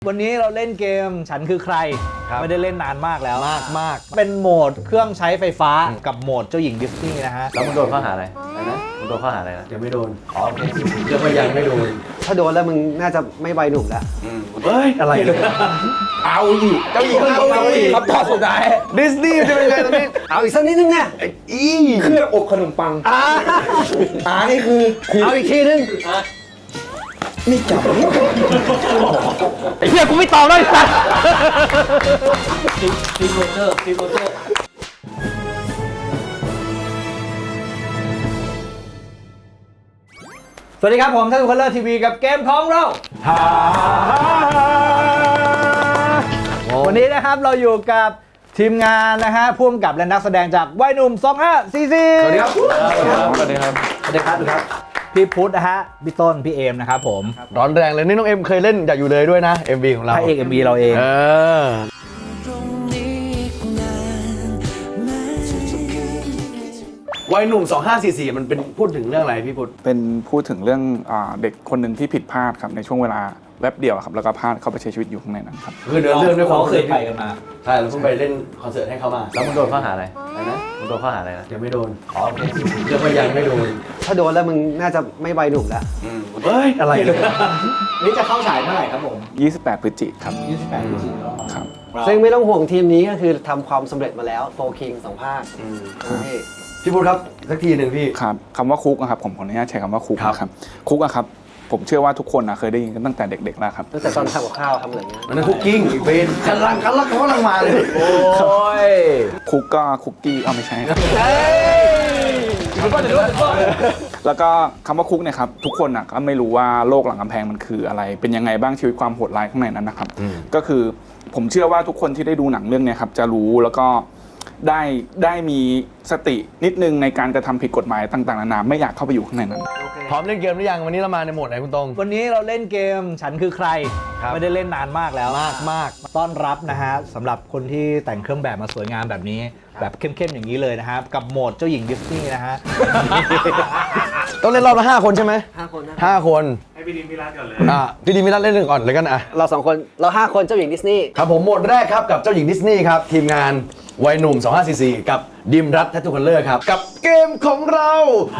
วันนี้เราเล่นเกมฉันคือใครไม่ได้เล่นนานมากแล้วมากเป็นโหมดเครื่องใช้ไฟฟ้ากับโหมดเจ้าหญิงดิสนีย์นะฮะแล้วมึงโดนข้อหาอะไรนะมึงโดนข้อหาอะไรนะยังไม่โดนอ๋อโอเคยังไม่โดนถ้าโดนแล้วมึงน่าจะไม่ใบหนุ่มแล้วเฮ้ยอะไรเอาอีกเจ้าหญิงเอาอีกคำตอบสุดท้ายดิสนีย์จะเป็นไงตอนนี้เอาอีกสักนิดนึงเนี่ยเครื่องอบขนมปังนี่คือเอาอีกทีนึงไม่จับไอ้เหี้ยกูไม่ตอบเลยสัตว์ทีโรเจอร์สวัสดีครับผมท่านคนเลอร์ทีวีกับเกมของเราวันนี้นะครับเราอยู่กับทีมงานนะฮะพ่วงกับและนักแสดงจากวัยหนุ่ม2544 สวัสดีครับสวัสดีครับสวัสดีครับพี่พุทธนะฮะพี่ต้นพี่เอมนะครับผมร้อนแรงเลยนี่น้องเอ็มเคยเล่นอยากอยู่เลยด้วยนะ MV ของเราพระเอก MV เราเองวัยหนุ่ม2544มันเป็นพูดถึงเรื่องอะไรพี่พุทธเป็นพูดถึงเรื่องเด็กคนหนึ่งที่ผิดพลาดครับในช่วงเวลาแวบเดียวครับแล้วก็พลาดเข้าไปใช้ชีวิตอยู่ข้างในนั้นครับคือเดินเรื่องด้วยความเคยไปกันมาใช่เราเพิ่งไปเล่นคอนเสิร์ตให้เขามาแล้วมึงโดนข้อหาอะไรนะมึงโดนข้อหาอะไรนะยังไม่โดนอ๋อโอเคยังไม่โดนถ้าโดนแล้วมึงน่าจะไม่ใบหนุ่มแล้วเฮ้ยอะไรนี่จะเข้าฉายเมื่อไหร่ครับผม 28 พฤศจิกายนครับ 28 พฤศจิกายนครับซึ่งไม่ต้องห่วงทีมนี้ก็คือทำความสำเร็จมาแล้วโฟคิง2 ภาคพี่พุทธครับสักทีหนึ่งพี่ครับคำว่าคุกนะครับผมขออนุญาตใช้คำว่าคุกนะครับคุกอะครับผมเชื่อว่าทุกคนเคยได้ยินกันตั้งแต่เด็กๆแล้วครับตั้งแต่ตอนทำกับข้าวทำอะไรเงี้ยมันคุกกิ้งอีกเป็นคันลังเขากำลังมาเลยโอ้ยคุกก็คุกกี้ไม่ใช่แล้วก็คำว่าคุกเนี่ยครับทุกคนก็ไม่รู้ว่าโลกหลังกำแพงมันคืออะไรเป็นยังไงบ้างชีวิตความโหดร้ายข้างในนั้นนะครับก็คือผมเชื่อว่าทุกคนที่ได้ดูหนังเรื่องนี้ครับจะรู้แล้วก็ได้มีสตินิดนึงในการกระทำผิดกฎหมายต่างๆนานาไม่อยากเข้าไปอยู่ข้างในนั้นพร้อมเล่นเกมหรือยังวันนี้เรามาในโหมดไหนคุณตรงวันนี้เราเล่นเกมฉันคือใครไม่ได้เล่นนานมากแล้วมากต้อนรับนะฮะสำหรับคนที่แต่งเครื่องแบบมาสวยงามแบบนี้แบบเข้มๆอย่างนี้เลยนะครับกับโหมดเจ้าหญิงดิสนีย์นะฮะต้องเล่นรอบละ5 คนใช่ไหม5 คนให้พี่ดิมพิรัตก่อนเลยพี่ดิมพิรัตเล่นหนึ่งก่อนเลยกันเรา2 คนเรา5 คนเจ้าหญิงดิสนีย์ครับผมโหมดแรกครับกับเจ้าหญิงดิสนีย์ครับทีมงานวัยหนุ่ม2544กับดิมรัตแททูคัลเลอร์ครับกับเกมของเรา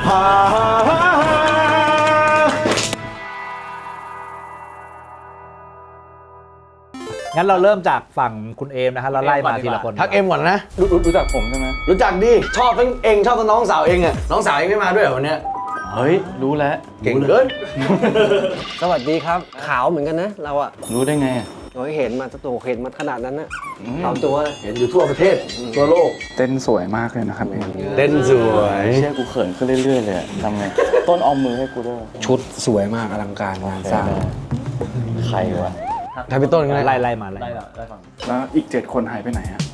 งั้นเราเริ่มจากฝั่งคุณเอมนะฮะเราไล่มาทีละคนทักเอมก่อนนะรู้จักผมใช่ไหมรู้จักดิชอบทั้งเองชอบทั้งน้องสาวเองอ่ะน้องสาวเองไม่มาด้วยเหรอวันนี้เฮ้ยรู้แล้วเก่งเกินสวัสดีครับขาวเหมือนกันนะเราอะรู้ได้ไงเราเห็นมาตัวเห็นมาขนาดนั้นนะตามตัวเห็นอยู่ทั่วประเทศทั่วโลกเต้นสวยมากเลยนะครับเต้นสวยเชื่อกูเขินขึ้นเรื่อยๆเลยทำไงต้นออมมือให้กูด้วยชุดสวยมากอลังการงานสร้างใครวะถ้าพี่ต้นไล่มาแล้วอีก7 คนหายไปไหนฮะ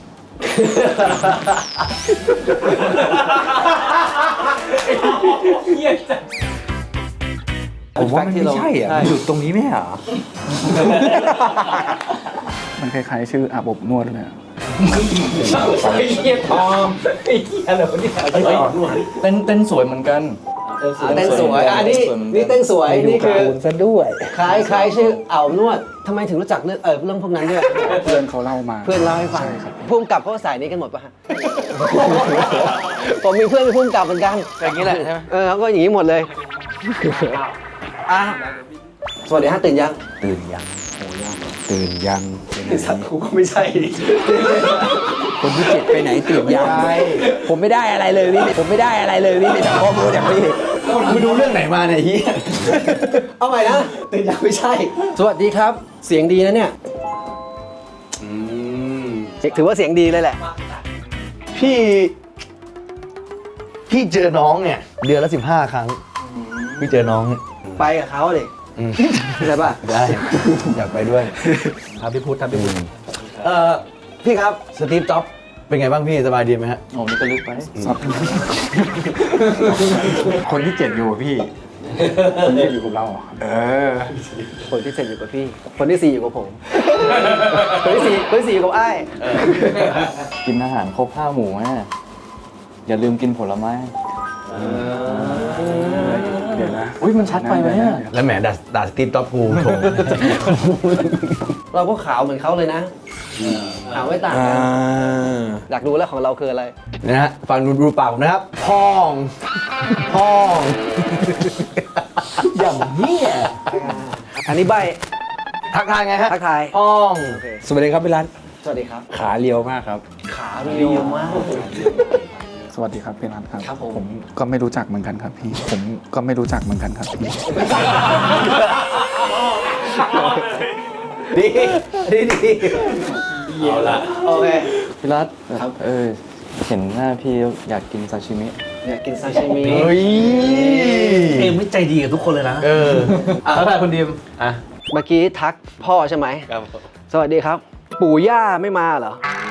ผมว่ามันไม่ใช่อยู่ตรงนี้ไม่เหรอมันคล้ายๆชื่ออาบอบนวดเลยไอ้เหี้ยทองไอ้เหี้ยอะไรวะเนี่ยเต้นสวยเหมือนกันเต้นสวยอันนี้เต้นสวยนี่คือซะด้วยคล้ายชื่ออ่าวนวดทำไมถึงรู้จักเรื่องพวกนั้นด้วยเพื่อนเขาเล่ามาเพื่อนเล่าให้ฟังพุ่มกับเขาสายนี้กันหมดป่ะฮะผมมีเพื่อนเป็นพุ่มกับเหมือนกันอย่างนี้แหละใช่ไหมเขาก็อย่างนี้หมดเลยสวัสดีฮะตื่นยังสัตว์กูก็ไม่ใช่คนที่7ไปไหนตื่นยังผมไม่ได้อะไรเลยพี่ไม่จากข้อมูลจากพี่คุณดูเรื่องไหนมาเนี่ยเฮียเอาใหม่นะตื่นยังไม่ใช่สวัสดีครับเสียงดีนะเนี่ยถือว่าเสียงดีเลยแหละพี่เจอน้องเนี่ยเดือนละ15 ครั้งพี่เจอน้องไปกับเขาเลยได้ป่ะได้อยากไปด้วยครับพี่พุทธพี่ครับสตีฟจ็อบส์เป็นไงบ้างพี่สบายดีไหมฮะโอ้นี่ก็ลึกไปคนที่7อยู่พี่คนที่อยู่กับเราคนที่7อยู่กับพี่คนที่4อยู่กับผมคนที่4อยู่กับไอ้กินอาหารครบ5 หมู่แม่อย่าลืมกินผลไม้เดี๋ยวนะอุ้ยมันชัดไปไหมเนี่ยแล้วแหมด่าสตีฟจ็อบส์กูโถเราก็ขาวเหมือนเขาเลยนะขาวไม่ต่างกันอยากรู้แล้วของเราคืออะไรนะฮะฟังดูปากผมนะครับพองอย่างนี้อันนี้ใบทักทายไงฮะทักทายพองสวัสดีครับพี่รัตสวัสดีครับขาเรียวมากครับขาเรียวมากสวัสดีครับพี่รัตครับครับผมผมก็ไม่รู้จักเหมือนกันครับพี่ ผมก็ไม่รู้จักเหมือนกันครับพี่ดีเอาละโอเคพี่รัตครับเห็นหน้าพี่อยากกินซาชิมิอยากกินซาชิมิเฮ้ยเอ็มไม่ใจดีกับทุกคนเลยนะทักทายคุณดิมอ่ะเมื่อกี้ทักพ่อใช่ไหมครับสวัสดีครับ ปู่ย่าไม่มาเหรอ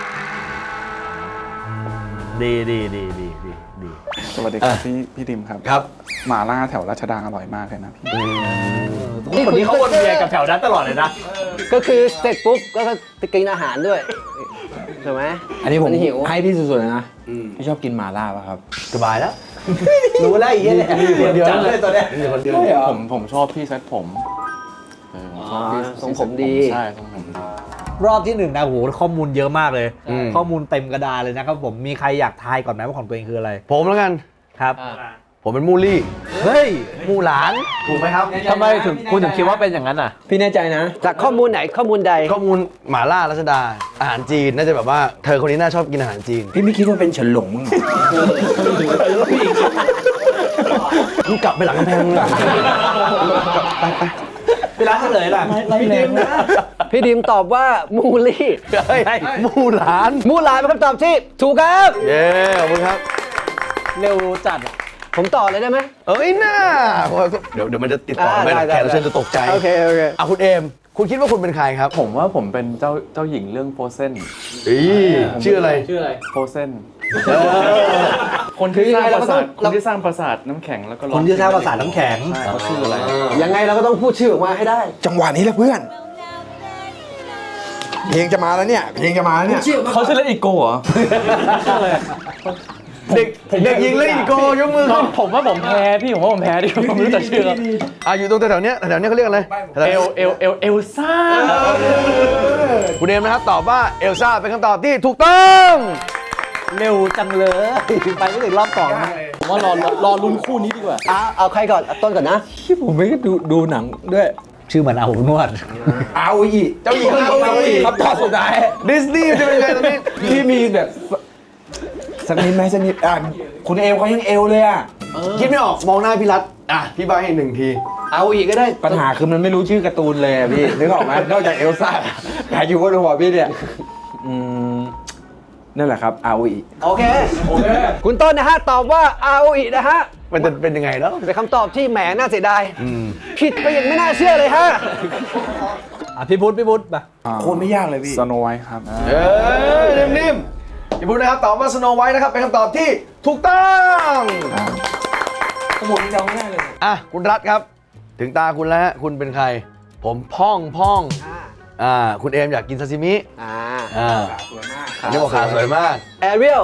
ดีสวัสดีครับพี่ดิมครับครับหม่าล่าแถวราชดาอร่อยมากเลยนะพี่คนนี้เขาวนเวียนกับแถวนั้นตลอดเลยนะก็คือเสร็จปุ๊บก็จะกินอาหารด้วยถูกไหมอันนี้ผมหิวให้พี่สุดๆเลยนะพี่ชอบกินหม่าล่าป่ะครับสบายแล้ว รู้แล้วอีกเนี่ยคนเดียวเลยตัวเนี้ยคนเดียวผมชอบพี่เซ็ตผมผมชอบพี่ทรงผมดีใช่ทรงผมดีรอบที่หนึ่งนะโหข้อมูลเยอะมากเลย ข้อมูลเต็มกระดานเลยนะครับผมมีใครอยากทายก่อนไหมว่าของตัวเองคืออะไรผมแล้วกันครับผมเป็นมูลี่เฮ้ยมูหลาน ถูกไหมครับทำไมถึงคุณถึงคิดว่าเป็นอย่างนั้นอ่ะพี่แน่ใจนะจากข้อมูลไหนข้อมูลใดข้อมูลหม่าล่ารัชดา อาหารจีน น่าจะแบบว่าเธอคนนี้น่าชอบกินอาหารจีนพี่ไม่คิดว่าเป็นเฉินหลงมั้งเหรอมึงกลับไปหลังกำแพงเลยไปเวลาเฉลยล่ะไม่แรงนะพี่ดิมตอบว่ามูลี่เฮ้ยมูหลานมูหลานเป็นคำตอบที่ถูกครับเย้ ขอบคุณครับเร็วจัดอะผมต่อเลยได้ไหมเอ้ยน่าเดี๋ยวมันจะติดต่อไม่ได้แขกรับเชิญจะตกใจโอเคโอเคอ่ะคุณเอม คุณคิดว่าคุณเป็นใครครับผมว่าผมเป็นเจ้าหญิงเรื่องโฟเซนชื่ออะไรโฟเซนคนที่สร้างปราสาทคนที่สร้างปราสาทน้ำแข็งแล้วก็คนที่สร้างภาษาน้ำแข็งใช่เขาชื่ออะไรยังไงเราก็ต้องพูดชื่อออกมาให้ได้จังหวะนี้แหละเพื่อน เพลงจะมาแล้วเนี่ย เพลงจะมาแล้วเนี่ยเขาชื่อเล่นอีโก้เหรอเด็กหญิงเล่นอีโกยกมือขึ้นผมว่าผมแพ้พี่ผมว่าผมแพ้ดิผมไม่รู้จักชื่ออยู่ตรงแถวๆเนี้ยเขาเรียกอะไรเอลซ่าคุณเอมนะครับตอบว่าเอลซ่าเป็นคำตอบที่ถูกต้องเร็วจังเลยไปไม่ถึงรอบสองนะผมว่ารอลุ้นคู่นี้ดีกว่าเอาใครก่อนเอาต้นก่อนนะที่ผมไม่ได้ดูหนังด้วยชื่อเหมือนอาบอบนวดเอาอีกเจ้าหญิงอาโออิคำตอบสุดท้ายดิสนีย์จะเป็นไงตอนนี้พี่มีแบบสักนิดไหมสักนิดคุณเอวเขายังเอวเลยอ่ะคิดไม่ออกมองหน้าพี่รัตพี่ใบให้หนึ่งทีเอาอีกก็ได้ปัญหาคือมันไม่รู้ชื่อการ์ตูนเลยอะพี่ นึกออกไหมนอกจากเอลซ่าหาอยู่บนหัวพี่เนี่ยนั่นแหละครับอาวีโอเคคุณต้นนะฮะตอบว่าเอาอีกนะฮะมันจะเป็นยังไงแล้วเป็นคำตอบที่แหมน่าเสียดายผิดไปอย่างไม่น่าเชื่อเลยฮะพี่พุทธมาโคตรไม่ยากเลยพี่สโนไวท์ครับนิ่มๆอย่าพูดนะครับตอบว่าสโนไวท์นะครับเป็นคำตอบที่ถูกต้องสมุดที่เราไม่ได้เลยคุณรัฐครับ ถึงตาคุณแล้วฮะคุณเป็นใคร ผมพ่องคุณเอมอยากกินซาซิมิอันนี้บอกขาสวยมากแอเรียล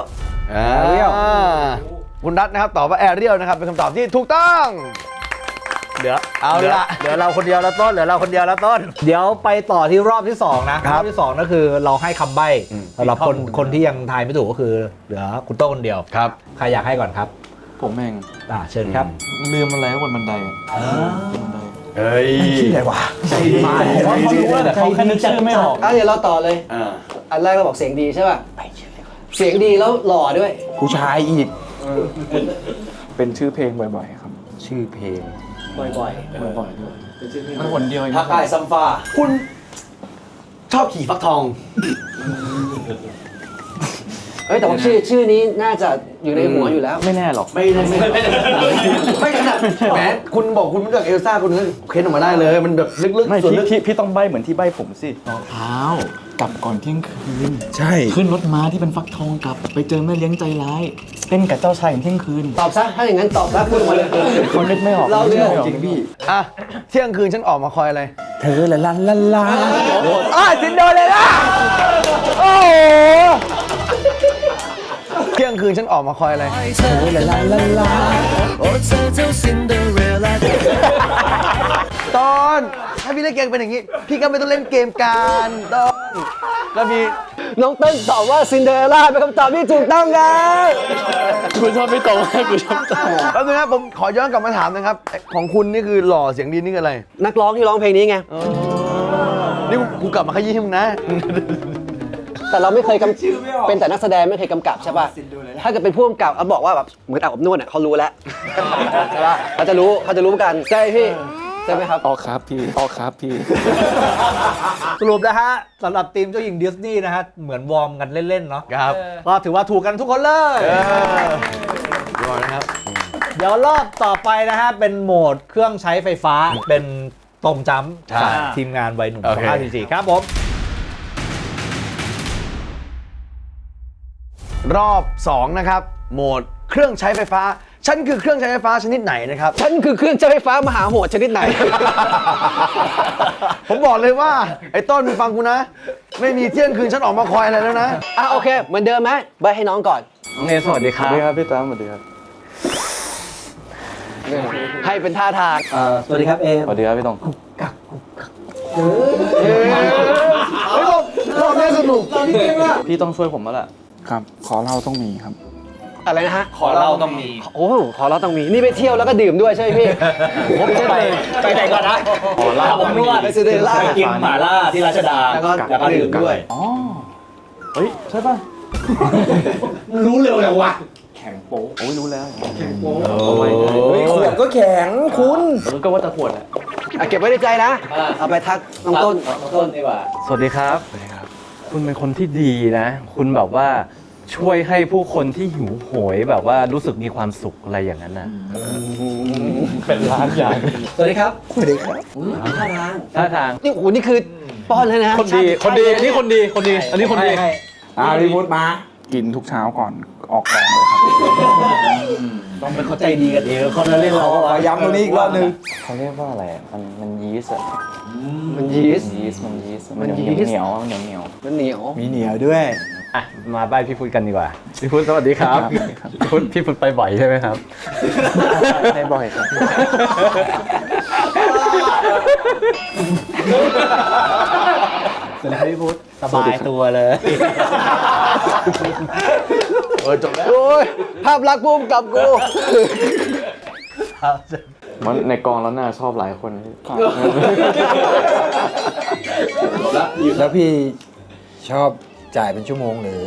คุณรัฐนะครับตอบว่าแอเรียลนะครับเป็นคำตอบที่ถูกต้องเหลือเอาละเหลือเราคนเดียวแล้วต้น เดี๋ยวไปต่อที่รอบที่สองนะ รอบที่สองก็คือเราให้คำใบ้สำหรับคนที่ยังทายไม่ถูกก็คือเหลือคุณโต้คนเดียวครับใครอยากให้ก่อนครับผมเองเชิญครับลืมอะไรบนบันไดอะเฮ้ยชื่ออะไรวะผมว่าเขารู้ว่าแต่เขาแค่นึกชื่อไม่ออกเดี๋ยวเราต่อเลย อันแรกเราบอกเสียงดีใช่ป่ะเสียงดีแล้วหล่อด้วยผู้ชายอีกเป็นชื่อเพลงบ่อยๆครับชื่อเพลงบ่อยบ่อยด้วยมันคนเดียวเองทักทายซัมฟาคุณชอบขี่ฟักทองเฮ้ยแต่ว่าชื่อนี้น่าจะอยู่ในหัวอยู่แล้วไม่แน่หรอกไม่ขนาดแหมคุณบอกคุณรู้จักเอลซ่าคุณนึกเค้นออกมาได้เลย มันแบบลึกไม่ๆส่วนลึกพี่ต้องใบเหมือนที่ใบผมสิรองเท้ากลับก่อนเที่ยงคืนใช่ขึ้นรถม้าที่เป็นฟักทองกลับ ไปเจอแม่เลี้ยงใจร้ายเต้นกับเจ้าชายถึงเที่ยงคืนตอบซะถ้าอย่างนั้นตอบซะพูดออกมาเลยเขานึกไม่ออกเราเรื่องจริงพี่เที่ยงคืนฉันออกมาคอยอะไรเธอละลันละลาซินโดเลยล่ะโอ้โหเที่ยงคืนฉันออกมาคอยอะไรตอนถ้าพี่เล่นเกมเป็นอย่างนี้ พี่ก็ไม่ต้องเล่นเกมกันตอนแล้วมีน้องเต้นตอบว่าซินเดอเรลล่าเป็นคำตอบที่ถูกต้องครับกูชอบไม่ตรงกูชอบแล้วนึงครับผมขอย้อนกลับมาถามนะครับ ของคุณนี่คือหล่อเสียงดีนี่คืออะไรนักร้องที่ร้องเพลงนี้ไงนี่กูกลับมาขยี้ให้มึงนะแต่เราไม่เคยเป็นแต่นักแสดงไม่เคยกำกับใช่ป่ะ ถ้าเกิดเป็นผู้กำกับเขาบอกว่าแบบเหมือนอาบอบนวดเนี่ยเขารู้แล้วใช่ป่ะเขาจะรู้กันใช่พี่ใช่ไหมครับออกครับพี่ออกครับพี่สรุปนะฮะสำหรับทีมเจ้าหญิงดิสนีย์นะฮะเหมือนวอร์มกันเล่นๆเนาะครับก็ถือว่าถูกกันทุกคนเลยรอนะครับเดี๋ยวรอบต่อไปนะฮะเป็นโหมดเครื่องใช้ไฟฟ้าเป็นตรงจ้ำใช่จากทีมงานวัยหนุ่มโอเค 2544ครับผมรอบ 2 นะครับ โหมดเครื่องใช้ไฟฟ้า ฉันคือเครื่องใช้ไฟฟ้าชนิดไหนนะครับฉันคือเครื่องใช้ไฟฟ้ามหาโหดชนิดไหนผมบอกเลยว่า ไอ้ต้นมึงฟังกูนะ ไม่มีเที่ยงคืนฉันออกมาคอยอะไรแล้วนะโอเค เหมือนเดิมไหมใบให้น้องก่อนโอเคสวัสดีครับสวัสดีครับพี่ตั้มสวัสดีครับให้เป็นท่าทางสวัสดีครับเอมสวัสดีครับพี่ตรงรอบนี้สนุกพี่ต้องช่วยผมแล้วแหละครับ ขอเล่าต้องมีครับอะไรนะฮะขอเราต้องมีโอ้ขอเราต้องมี นี่ไปเที่ยวแล้วก็ดื่มด้วยใช่ไหมพี่ผมเซ็ตเลยไปไหนก่อนนะขอเราผมนวดไปซินเดอเรลล่าไปกินหม่าล่าที่ราชดาแล้วก็ดื่มด้วยอ๋อ เฮ้ย ใช่ป่ะรู้เร็วเลยวะโอ้ยรู้แล้วเฮ้ยขวดก็แข็งคุณก็ว่าจะขวดแหละเก็บไว้ในใจนะ เอาไปทักน้องต้นต้นดีกว่าสวัสดีครับ คุณเป็นคนที่ดีนะ คุณแบบว่าช่วยให้ผู้คนที่หิวโหยแบบว่ารู้สึกมีความสุขอะไรอย่างนั้นนะเป็นร้านอย่างสวัสดีครับสวัสดีครับท่าทางนี่โอ้โหนี่คือป้อนเลยนะคนดี คนดี นี่คนดี คนดี อันนี้คนดีพี่มุดมากินทุกเช้าก่อนออกกองเลยครับต้องเป็นเขาใจดีกันเองเขาจะเล่นเราขอย้ำตรงนี้อีกรอบนึงเขาเรียกว่าอะไรอะมันยีสต์อะมันยีสต์ยีสต์มันยีสต์มันยีสต์เหนียวเหนียวเหนียวมันเหนียวมีเหนียวด้วยอ่ะ มาบ้านพี่พุทธกันดีกว่า พี่พุทธสวัสดีครับ พี่พุทธไปบ่อยใช่ไหมครับให้บ่อยครับสวัสดีครับพี่พุทธสบายตัวเลยจบแล้วโอ้ย ภาพลักษณ์ภูมิกับกูมันในกองแล้วน่าชอบหลายคนแล้วพี่ชอบจ่ายเป็นชั่วโมงหรือ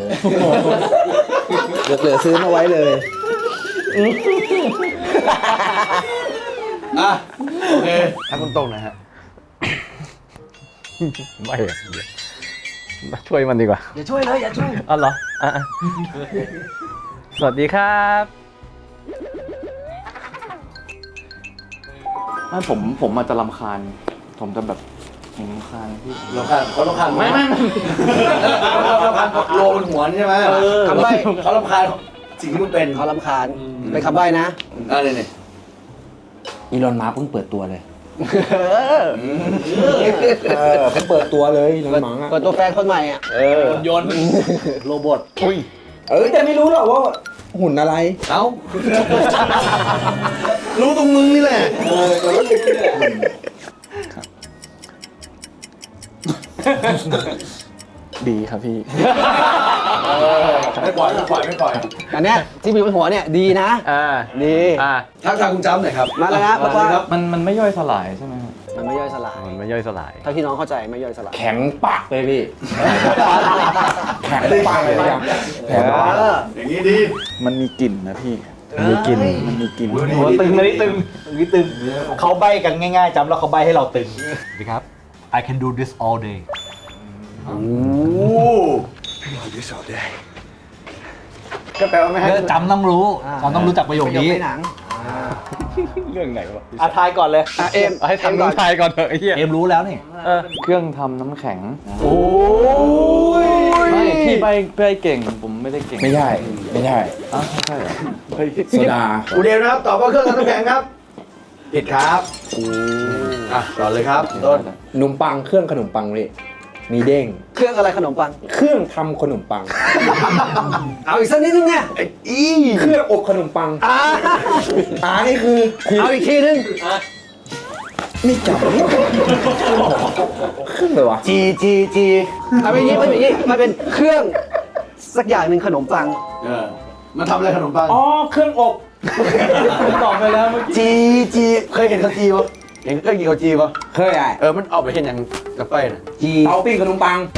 เหลือซื้อมาไว้เลยโอเคถ้าคุณตรงนะฮะไม่อะมาช่วยมันดีกว่าอย่าช่วยเลย อย่าช่วยอ๋อเหรออ่ะสวัสดีครับไม่ผมอาจจะรำคาญ ผมจะแบบรำคาญพี่เขารำคาญไม่เขารำคาญโลบนหัวนี่ใช่ไหมคำใบ้เขารำคาญสิ่งที่มึงเป็นเขาลำคาญเป็นคำใบ้นะเนี่ยอีลอนมาร์คเพิ่งเปิดตัวเลยเพิ่งเปิดตัวเลยอีลอนมาร์คเปิดตัวแฟนคนใหม่อ่ะยนต์โรบอทแต่ไม่รู้หรอกว่าหุ่นอะไรเอ้า รู้ตรงมึงนี่แหละดีครับพี่ไม่ปล่อยอันเนี้ยที่มีบนหัวเนี่ยดีนะ ดีทักทายคุณจ้ำหน่อยครับมาแล้วนะเพราะว่ามันไม่ย่อยสลายใช่ไหมครับมันไม่ย่อยสลายมันไม่ย่อยสลายเท่าที่น้องเข้าใจไม่ย่อยสลายแข็งปากเลยพี่ แข็งปากเลยครับอย่างนี้ดีมันมีกลิ่นนะพี่มีกลิ่นมันมีกลิ่นตึงอันนี้ตึงอันนี้ตึงเขาใบกันง่ายๆจำแล้วเขาใบให้เราตึงสวัสดีครับ I can do this all day ก็แปลว่าไม่ให้จำต้องรู้จำต้องรู้จักประโยคนี้ในหนังเรื่องไหนวะทายก่อนเลยเอ็มให้ทำน้ำชายก่อนเถอะไอ้เหี้ยเอมรู้แล้วนี่เครื่องทำน้ำแข็งโอ้ยไม่พี่ใบเก่ง ผมไม่ได้เก่งไม่ใช่อ้าวใช่เหรอโซดาอูเดนนะครับ ตอบว่าเครื่องทำน้ำแข็งครับ ผิดครับต่อเลยครับต้นขนมปังเครื่องขนมปังพี่มีเด้งเครื่องอะไรขนมปังเครื่องทำขนมปังเอาอีกสักนิดนึงเนี่ยเครื่องอบขนมปัง นี่คือเอาอีกทีนึงนี่จับเครื่องเลยวะจีเอาไปอย่างนี้มันอย่างนี้มันเป็นเครื่องสักอย่างหนึ่งขนมปังมันทำอะไรขนมปังอ๋อ เครื่องอบตอบไปแล้วเมื่อกี้จีเคยเห็นเขาจีปะเห็นเคยกินเขาจีปะเคยอ่ะมันออกไปเห็นอย่างกับไปน่ะจีเตาปิ้งขนมปัง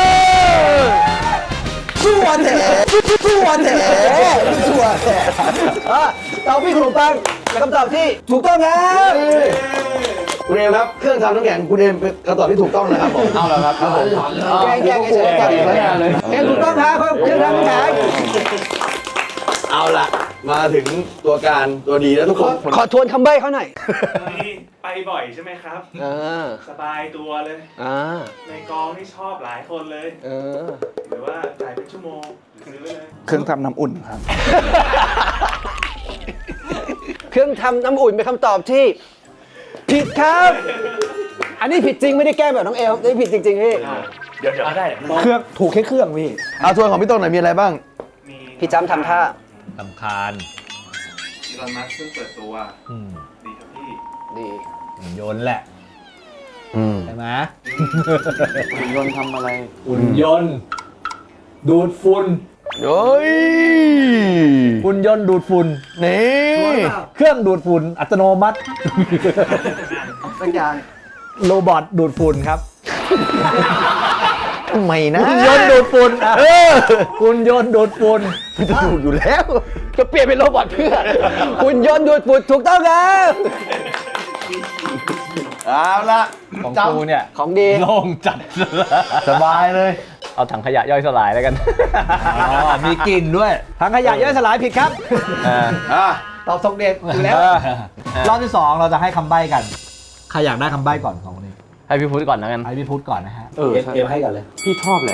ชั่วแท้ชั่วแท้ชั่วแท้เตาปิ้งขนมปังเป็นคำตอบที่ถูกต้องครับคุณเอมครับเครื่องทำน้ำแข็งคุณเอมเป็นคำตอบที่ถูกต้องนะครับผมเอาแล้วครับครับผมแกงเฉยๆแกงถูกต้องครับเครื่องทำน้ำแข็งเอาล่ะมาถึงตัวการตัวดีแล้วทุกคนขอทวนคำใบ้เขาหน่อยนี่ไปบ่อยใช่ไหมครับ สบายตัวเลย ในกองนี่ชอบหลายคนเลย หรือว่าจ่ายเป็นชั่วโมงซื้อไว้เลยเครื่องทำน้ำอุ่นครับเครื่องทำน้ำอุ่นเป็นคำตอบที่ผิดครับ อันนี้ผิดจริงไม่ได้แกล้งแบบน้องเอลนี่ผิดจริงๆพี่เดี๋ยวได้เครื่องถูกแค่เครื่องพี่เอาทวนของพี่ต้นหน่อยมีอะไรบ้างมีพี่จำทำท่าสำคาญอีลอนมัสก์เพิ่งเปิดตัวอืมดีครับพี่ดีหุ่นยนต์แหละ ใช่ไหมหุ่นยนต์ทำอะไรหุ่นยนต์ดูดฝุ่นเฮ้ยหุ่นยนต์ดูดฝุ่นนี่เครื่องดูดฝุ่นอัตโนมัติสักอย่างโรบอทดูดฝุ่นครับทำไมนะหุ่นยนต์ดูดฝุ่นหุ่นยนต์ดูดฝุ่นมันจะถูกอยู่แล้วจะเปลี่ยนเป็นโรบอทเพื่อหุ่นยนต์ดูดฝุ่นถูกต้องครับเอาละของกูเนี่ยของดีโล่งจัดสบายเลยเอาถังขยะย่อยสลายแล้วกันมีกลิ่นด้วยทางขยะย่อยสลายผิดครับ ตอบทรงเด็กอยู่แล้ว รอบที่ 2 เราจะให้คำใบ้กัน ใครอยากได้คำใบ้ก่อนของคนนี้ให้พี่พุทธก่อนแล้วกันให้พี่พุทธก่อนนะฮะเออเอ็มให้ก่อนเลยพี่ชอบแหละ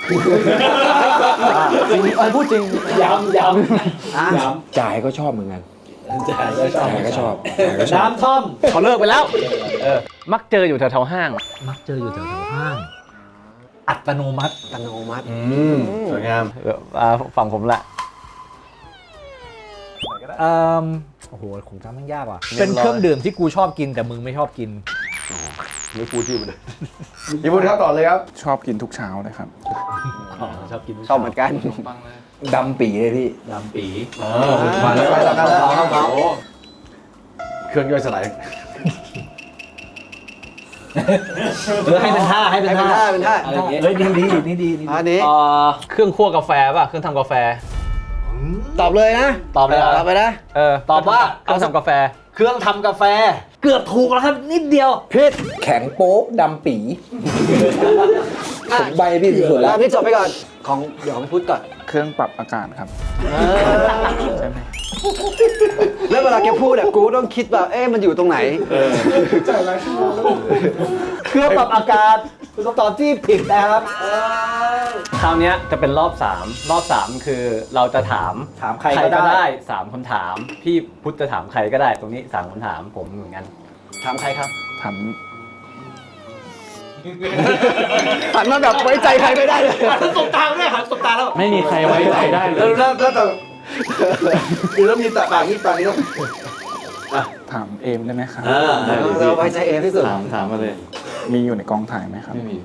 พูดจริงย้ำจ่ายก็ชอบเหมือนกัน จ่ายก็ชอบน้ำท่อมเขาเลิกไปแล้ว มักเจออยู่แถวๆห้างมักเจออยู่แถวๆห้าง อัตโนมัติอัตโนมัติสวยงามฝั่งผมละโอ้โหคงจำไม่ยากว่ะ เป็นเครื่องดื่มที่กูชอบกินแต่มึงไม่ชอบกินไม่พูดชื่อมันเลยพี่พูดครับต่อเลยครับชอบกินทุกเช้าเลยครับชอบกินชอบเหมือนกันดำปีเลยพี่ดำปีมาแล้วไปแล้วกันแล้วเครื่องย่อยสลายให้เป็นท่าให้เป็นท่าเป็นท่าเฮ้ยดีนี่ดีอันนี้เครื่องคั่วกาแฟป่ะ เครื่องทำกาแฟตอบเลยนะตอบเลยเหรอตอบไปนะตอบว่าเครื่องทำกาแฟเครื่องทำกาแฟ เกือบถูกแล้วครับนิดเดียวผิดแข็งโป๊กดำปีผมใบพี่สุดแล้วพี่จบไปก่อน ของเดี๋ยวไม่พูดก่อนเครื่องปรับอากาศครับ ใช่ไหมแล้วเวลาแกพูดเนี่ยกูต้องคิดแบบเอ๊ะมันอยู่ตรงไหนเครื่องปรับอากาศคือคำตอบที่ผิดนะครับคราวเนี้ยจะเป็นรอบ 3 รอบ 3 คือเราจะถามถามใครก็ได้ 3คำถาม พี่พุทธจะถามใครก็ได้ ตรงนี้3คำถามผมเหมือนกันถามใครครับถามหันมาแบบไว้ใจใครไม่ได้เลยสบตาด้วยสบตาแล้วไม่มีใครไว้ใจได้เลยแล้วแต่คือแล้วมีตาปากนี้ต้องถามเอมได้ไหมครับเราไว้ใจเองที่สุดถามมาเลยมีอยู่ในกองถ่ายไหมครับไม่มี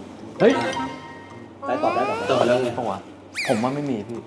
ต่อแล้วไงผมว่าไม่มีพี่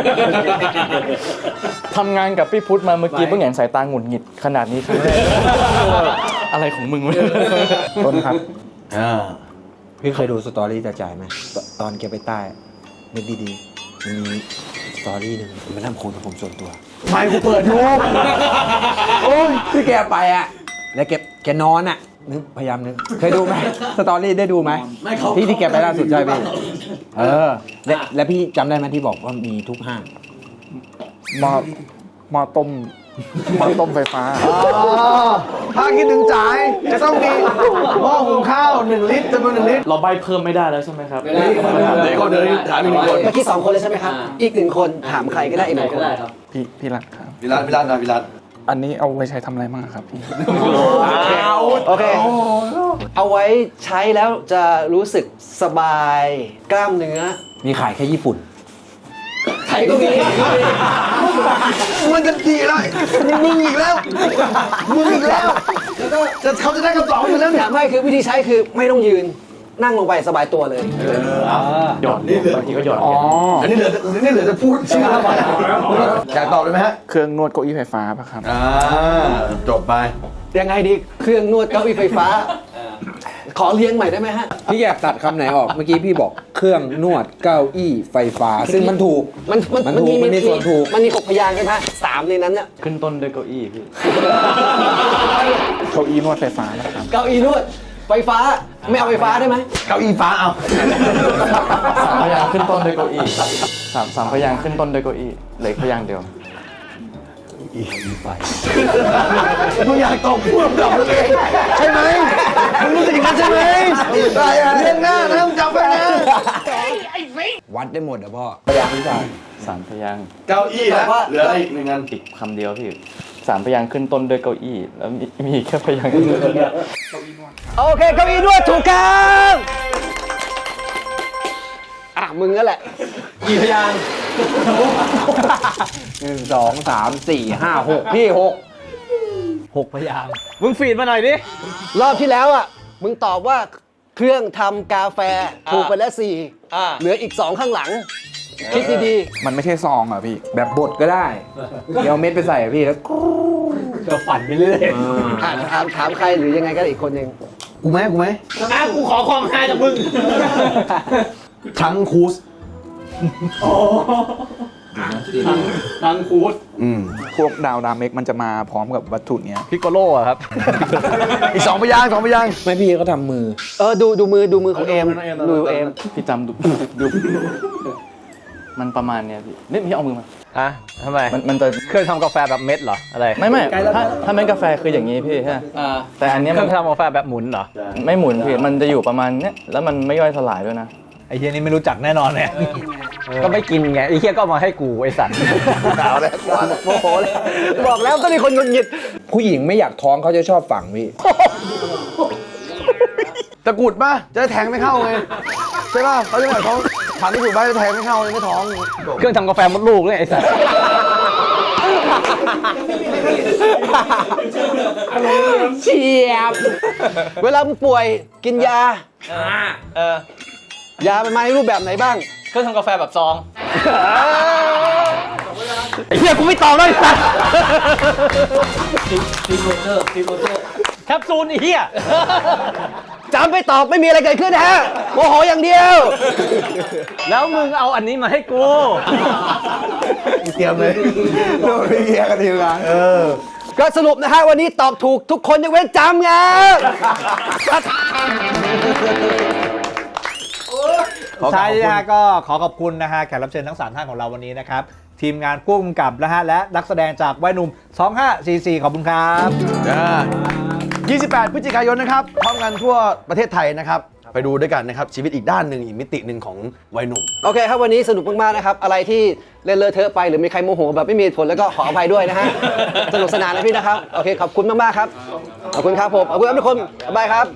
ทำงานกับพี่พุทธมาเมื่อกี้เพิ่งเห็นสายตาหงุดหงิดขนาดนี้ครั้งแรกอะไรของมึงวะต้นครับพี่เคยดูสตอรี่จะจ่ายไหมตอนแกไปใต้นึกดีๆมันมีสตอรี่หนึ่งมันทำโคนกับผมส่วนตัวไม่กูเปิดดูโอ้ยที่แกไปอ่ะ แล้วแกนอนอ่ะนึกพยายามนึกเคยดูไหมสตอรี่ได้ดูไหมที่แกไปล่าสุดใช่ไหมแล้วพี่จำได้ไหมที่บอกว่ามีทุกห้างหม้อต้มไฟฟ้าถ้าคิดถึงจ่ายจะต้องมีหม้อหุงข้าว1 ลิตรจำนวน1 ลิตรเราใบเพิ่มไม่ได้แล้วใช่ไหมครับเดี๋ยวคนเดินถามอีก1 คนเมื่อกี้2 คนเลยใช่ไหมครับ อีก1 คนถามใครก็ได้อีก1 คนพี่รักครับวิรัตอันนี้เอาไว้ใช้ทำอะไรบ้างครับพี่โอเค เอาไว้ใช้แล้วจะรู้สึกสบายกล้ามเนื้อมีขายแค่ญี่ปุ่นไทยก็มีมันจะดีเลยมึงอีกแล้วเขาจะได้คำตอบอยู่แล้วเนี่ยถามให้คือวิธีใช้คือไม่ต้องยืนนั่งลงไปสบายตัวเลยหยอดนี่บางทีก็หยอดอันนี้เหลือจะพูดชื่อแล้วอยากตอบเลยไหมฮะเครื่องนวดเก้าอี้ไฟฟ้าป่ะครับจบไปยังไงดีเครื่องนวดเก้าอี้ไฟฟ้า ขอเลี้ยงใหม่ได้ไหมฮะพี่แกตัดคำไหนออก เมื่อกี้พี่บอกเครื่องนวดเก้าอี้ไฟฟ้า ซึ่งมันถูก มันถูกมันมีส่วนถูกมันมี6พยางค์ใช่ไหมสามในนั้นเนี่ยขึ้นต้นด้วยเก้าอี้พี่เก้าอี้นวดไฟฟ้านะครับเก้าอี้นวดไฟฟ้าไม่เอาไฟฟ้าได้ไหมเก้าอี้ฟ้าเอาสามพยางค์ขึ้นต้นด้วยเก้าอี้สามพยางค์ขึ้นต้นด้วยเก้าอี้เหลือพยางค์เดียวมึงอยากตอบพูดตอบเลยใช่ไหมมึงรู้สึกอย่างนั้นใช่ไหมเรื่องหน้านะมึงจำไว้นะวัดได้หมดอะพ่อสามพยางค์เก้าอี้แล้วเหลืออะไรอีกหนึ่งอันอีกคำเดียวพี่สามพยางค์ขึ้นต้นด้วยเก้าอี้แล้วมีแค่พยางค์เดียวโอเคเก้าอี้นวดถูกครับมึงนั่นแหละกี่พยางค์1 2 3 4 5 6พี่6 6 พยางค์มึงฟีดมาหน่อยดิรอบที่แล้วมึงตอบว่าเครื่องทำกาแฟถูกไปแล้ว4เหลืออีก 2 ข้างหลัง คิดดีมันไม่ใช่ซองอ่ะพี่แบบบดก็ได้ เดี๋ยวเอาเม็ดไปใส่อะพี่แล้วก็ฝันไปเรื่อยถามใครหรือยังไงก็ได้อีกคนหนึ่งกูไหมกูขอความฮาจากมึงทั้งคูสทั้งคูดพวกดาวดาเมกมันจะมาพร้อมกับวัตถุเนี้ยพิกโกโล่อะครับอีก2 พยางค์ไม่พี่เขาทำมือดูมือของเอมดูเอมพี่จำดูมันประมาณเนี้ยพี่นี่พี่เอามือมาอ่ะทำไมมันจะเครื่องทำกาแฟแบบเม็ดเหรอ อะไรไม่ถ้าเม็ดกาแฟคืออย่างนี้พี่ใช่ไหมแต่อันเนี้ยเคมัรื่อน งทำกาแฟแบบหมุนเหรอไม่หมุนพี่มันจะอยู่ประมาณเนี้ยแล้วมันไม่ย่อยสลายด้วยนะไอ้เฮียนี่ไม่รู้จักแน่นอนเนี่ยก็ไม่กินไง ไอ้เฮียก็เอามาให้กูไอ้สัตว์เอาเลยโมโหเลย บอกแล้วก็มีคนหงุดหงิดผู้หญิงไม่อยากท้องเขาจะชอบฝังพี่ตะกรุดป่ะจะได้แทงไม่เข้าไงใช่ป่ะเขาจะหมายเขาผ่านตะกรุดป่ะจะแทงไม่เข้าไม่ท้องเครื่องทำกาแฟมดลูกเนี่ยไอ้สัตว์เฉียบ เวลามึงป่วยกินยา ยามันมาในรูปแบบไหนบ้างเครื่องทำกาแฟแบบซอง ไอ้เหี้ยกูไม่ตอบเลยสัตว์แคปซูลไอ้เหี้ยจำไปตอบไม่มีอะไรเกิดขึ้นนะฮะโมโหอย่างเดียวแล้วมึงเอาอันนี้มาให้กูเตรียมเลยโดนพี่เกียร์กันทีมงานก็สรุปนะฮะวันนี้ตอบถูกทุกคนยกเว้นจำไงใช่นะฮะก็ขอขอบคุณนะฮะแขกรับเชิญทั้ง3ท่านของเราวันนี้นะครับ ทีมงานผู้กำกับนะฮะและนักแสดงจากวัยหนุ่ม 2544 ขอบคุณครับ 28 พฤศจิกายนนะครับพร้อมกันทั่วประเทศไทยนะครับ ไปดูด้วยกันนะครับ ชีวิตอีกด้านหนึ่งอีกมิติหนึ่งของวัยหนุ่มโอเคครับวันนี้สนุกมากๆนะครับ อะไรที่เล่นเลอะเทอะไปหรือมีใครโมโหแบบไม่มีเหตุผลแล้วก็ขออภัยด้วยนะฮะ สนุกสนานนะพี่นะครับ โอเคขอบคุณมากๆครับ ขอบคุณครับผมขอบคุณทุกคนบ๊ายบายครับ